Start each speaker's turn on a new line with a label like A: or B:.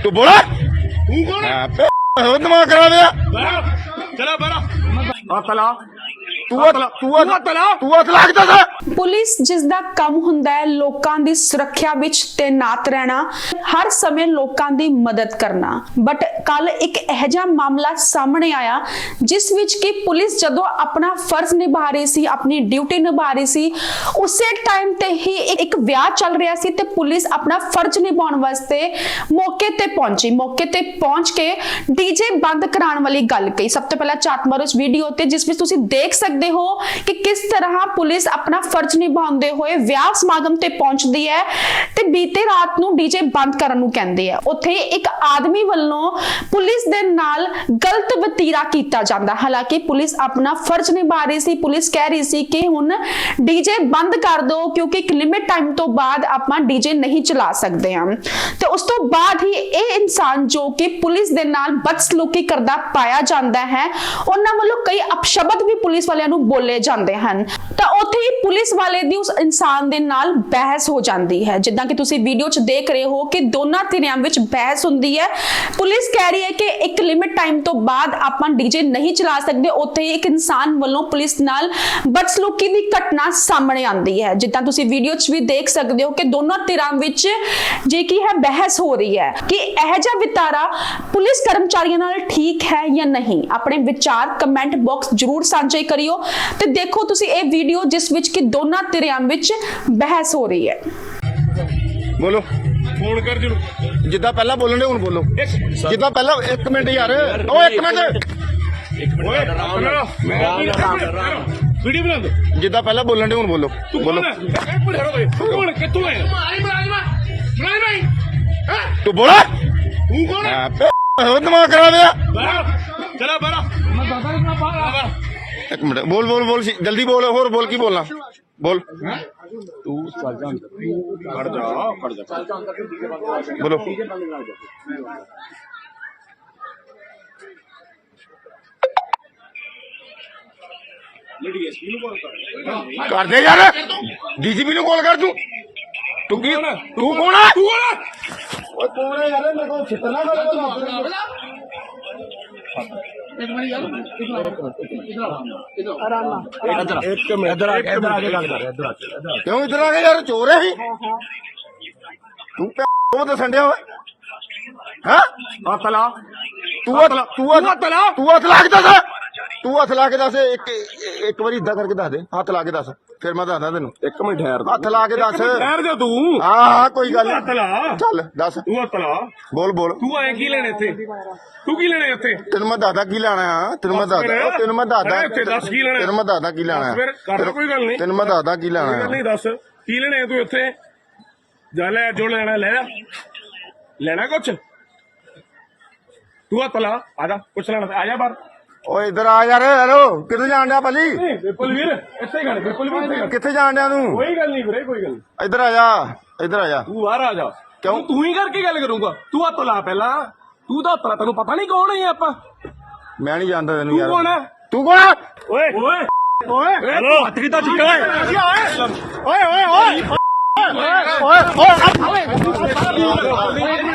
A: तू बोला तू कौन है? दिमाग करा दिया चला बड़ा तला तू लगता था।
B: ਪੁਲਿਸ ਜਿਸ ਦਾ ਕੰਮ ਹੁੰਦਾ ਹੈ ਲੋਕਾਂ ਦੀ ਸੁਰੱਖਿਆ ਵਿੱਚ ਤੈਨਾਤ ਰਹਿਣਾ, ਹਰ ਸਮੇਂ ਲੋਕਾਂ ਦੀ ਮਦਦ ਕਰਨਾ, ਬਟ ਕੱਲ ਇੱਕ ਇਹੋ ਜਿਹਾ ਮਾਮਲਾ ਸਾਹਮਣੇ ਆਇਆ ਜਿਸ ਵਿੱਚ ਕਿ ਪੁਲਿਸ ਜਦੋਂ ਆਪਣਾ ਫਰਜ਼ ਨਿਭਾ ਰਹੀ ਸੀ, ਆਪਣੀ ਡਿਊਟੀ ਨਿਭਾ ਰਹੀ ਸੀ, ਉਸੇ ਟਾਈਮ ਤੇ ਹੀ ਇੱਕ ਵਿਆਹ ਚੱਲ ਰਿਹਾ ਸੀ ਤੇ ਪੁਲਿਸ ਆਪਣਾ ਫਰਜ਼ ਨਿਭਾਉਣ ਵਾਸਤੇ ਮੌਕੇ ਤੇ ਪਹੁੰਚੀ। ਮੌਕੇ ਤੇ ਪਹੁੰਚ ਕੇ ਡੀਜੇ ਬੰਦ ਕਰਾਉਣ ਵਾਲੀ ਗੱਲ ਕਹੀ। ਸਭ ਤੋਂ ਪਹਿਲਾਂ ਝਾਤ ਮਾਰੋ ਇਸ ਵੀਡੀਓ ਤੇ ਜਿਸ ਵਿੱਚ ਤੁਸੀਂ ਦੇਖ ਸਕਦੇ ਹੋ ਕਿ ਕਿਸ ਤਰ੍ਹਾਂ ਪੁਲਿਸ ਆਪਣਾ ਫਰਜ਼ ਨਿਭਾਉਂਦੇ ਹੋਏ ਵਿਆਹ ਸਮਾਗਮ ਤੇ ਪਹੁੰਚਦੀ ਹੈ ਤੇ ਬੀਤੇ ਰਾਤ ਨੂੰ ਡੀਜੇ ਬੰਦ ਕਰਨ ਨੂੰ ਕਹਿੰਦੇ ਆ। ਉੱਥੇ ਇੱਕ ਆਦਮੀ ਵੱਲੋਂ ਪੁਲਿਸ ਦੇ ਨਾਲ ਗਲਤ ਵਤੀਰਾ ਕੀਤਾ ਜਾਂਦਾ। ਹਾਲਾਂਕਿ ਪੁਲਿਸ ਆਪਣਾ ਫਰਜ਼ ਨਿਭਾ ਰਹੀ ਸੀ। ਪੁਲਿਸ ਕਹਿ ਰਹੀ ਸੀ ਕਿ ਹੁਣ ਡੀਜੇ ਬੰਦ ਕਰ ਦਿਓ ਕਿਉਂਕਿ ਇੱਕ ਲਿਮਿਟ ਟਾਈਮ ਤੋਂ ਬਾਅਦ ਆਪਾਂ ਡੀਜੇ ਨਹੀਂ ਚਲਾ ਸਕਦੇ ਹਾਂ। ਤੇ ਉਸ ਤੋਂ ਬਾਅਦ ਹੀ ਇਹ ਇਨਸਾਨ ਜੋ ਕਿ ਪੁਲਿਸ ਦੇ ਨਾਲ ਬਦਸਲੂਕੀ ਕਰਦਾ ਪਾਇਆ ਜਾਂਦਾ ਹੈ, ਉਹਨਾਂ ਵੱਲੋਂ ਕਈ ਅਪਸ਼ਬਦ ਵੀ ਪੁਲਿਸ ਵਾਲਿਆਂ ਨੂੰ ਬੋਲੇ ਜਾਂਦੇ ਹਨ। ਤਾਂ ਉੱਥੇ ਹੀ ਪੁਲਿਸ ਵਾਲੇ ਦੀ ਉਸ ਇਨਸਾਨ ਦੇ ਨਾਲ ਬਹਿਸ ਹੋ ਜਾਂਦੀ ਹੈ। ਜਿੱਦਾਂ ਕਿ ਤੁਸੀਂ ਵੀਡੀਓ 'ਚ ਦੇਖ ਰਹੇ ਹੋ ਕਿ ਦੋਨਾਂ ਧਿਰਾਂ ਵਿੱਚ ਬਹਿਸ ਹੁੰਦੀ ਹੈ। ਪੁਲਿਸ ਕਹਿ ਰਹੀ ਹੈ ਕਿ ਇੱਕ ਲਿਮਿਟ ਟਾਈਮ ਤੋਂ ਬਾਅਦ ਆਪਾਂ ਡੀਜੇ ਨਹੀਂ ਚਲਾ ਸਕਦੇ। ਉੱਥੇ ਹੀ ਇੱਕ ਇਨਸਾਨ ਵੱਲੋਂ ਪੁਲਿਸ ਨਾਲ ਬਦਸਲੂਕੀ ਦੀ ਘਟਨਾ ਸਾਹਮਣੇ ਆਉਂਦੀ ਹੈ। ਜਿੱਦਾਂ ਤੁਸੀਂ ਵੀਡੀਓ 'ਚ ਵੀ ਦੇਖ ਸਕਦੇ ਹੋ ਕਿ ਦੋਨਾਂ ਧਿਰਾਂ ਵਿੱਚ ਜੇ ਕੀ ਹੈ ਬਹਿਸ ਹੋ ਰਹੀ ਹੈ ਕਿ ਇਹ ਜਿਹਾ ਵਿਤਾਰਾ ਪੁਲਿਸ ਕਰਮਚਾਰੀਆਂ ਨਾਲ ਠੀਕ ਹੈ ਜਾਂ ਨਹੀਂ। ਆਪਣੇ ਵਿਚਾਰ ਕਮੈਂਟ ਬਾਕਸ ਜ਼ਰੂਰ ਸਾਂਝੇ ਕਰਿਓ ਤੇ ਦੇਖੋ ਤੁਸੀਂ ਇਹ ਵੀਡੀਓ ਜਿਸ ਵਿੱਚ ਕਿ ਦੋਨਾਂ ਧਿਰਾਂ ਵਿੱਚ ਬਹਿਸ ਹੋ ਰਹੀ ਹੈ।
A: बोलो फोन कर जरूर जिदा पहला बोलने हुन बोलो जिदा पहला एक मिनट यार ओ एक मिनट वीडियो बना दो जिदा पहला बोलने हुन बोलो बोलो कौन कितों है तू बोला तू कौन है? दिमाग करा दिया चला बड़ा एक मिनट बोल बोल बोल जल्दी बोल और बोल की बोलना बोल तू चल जा बोलो कर दे यार डीजीपी नु कॉल कर तू तू कौन है तू कौन है यार मेरे को छिपना क्यों इधर आ गए यार चोर है तू तो संडे हो तला तू हथ ला के दस तू हथ ला के दस एक बार इदा करके दस दे हथ ला के दस फिर मैं दसदा तेन एक मिनट ठहर हथ ला के दस ठहर जा तू हाँ कोई गल चल दस तू हथ ला बोल बोल तू आए की लेने थे तू की लेने इत्थे तेन मैं दादा की लेना है तेन मैं दादा तेन मैं दादा की लेना है कोई गल नहीं तेन मैं दादा की लेना है नहीं दस की लेने तू इत्थे जा ले जो लेना ले लेना कुछ तू हथ ला आजा कुछ लेना आजा बाहर ओ इधर आ यार हेलो किथे जान दिया भाजी बिल्कुल वीर इत्थे ही खड़ बिल्कुल वीर किथे जान दिया तू कोई गल नहीं वीरे कोई गल इधर आ जा तू बाहर आ जा क्यों तू ही करके गल करूंगा तू हथ ला पहला तू तो हथ ला तेन पता नहीं कौन है आप मैं नहीं जानता तेन यार तू कौन है ओए ओए हेलो हथ कीता चुका है ओए ओए ओए ओए ओए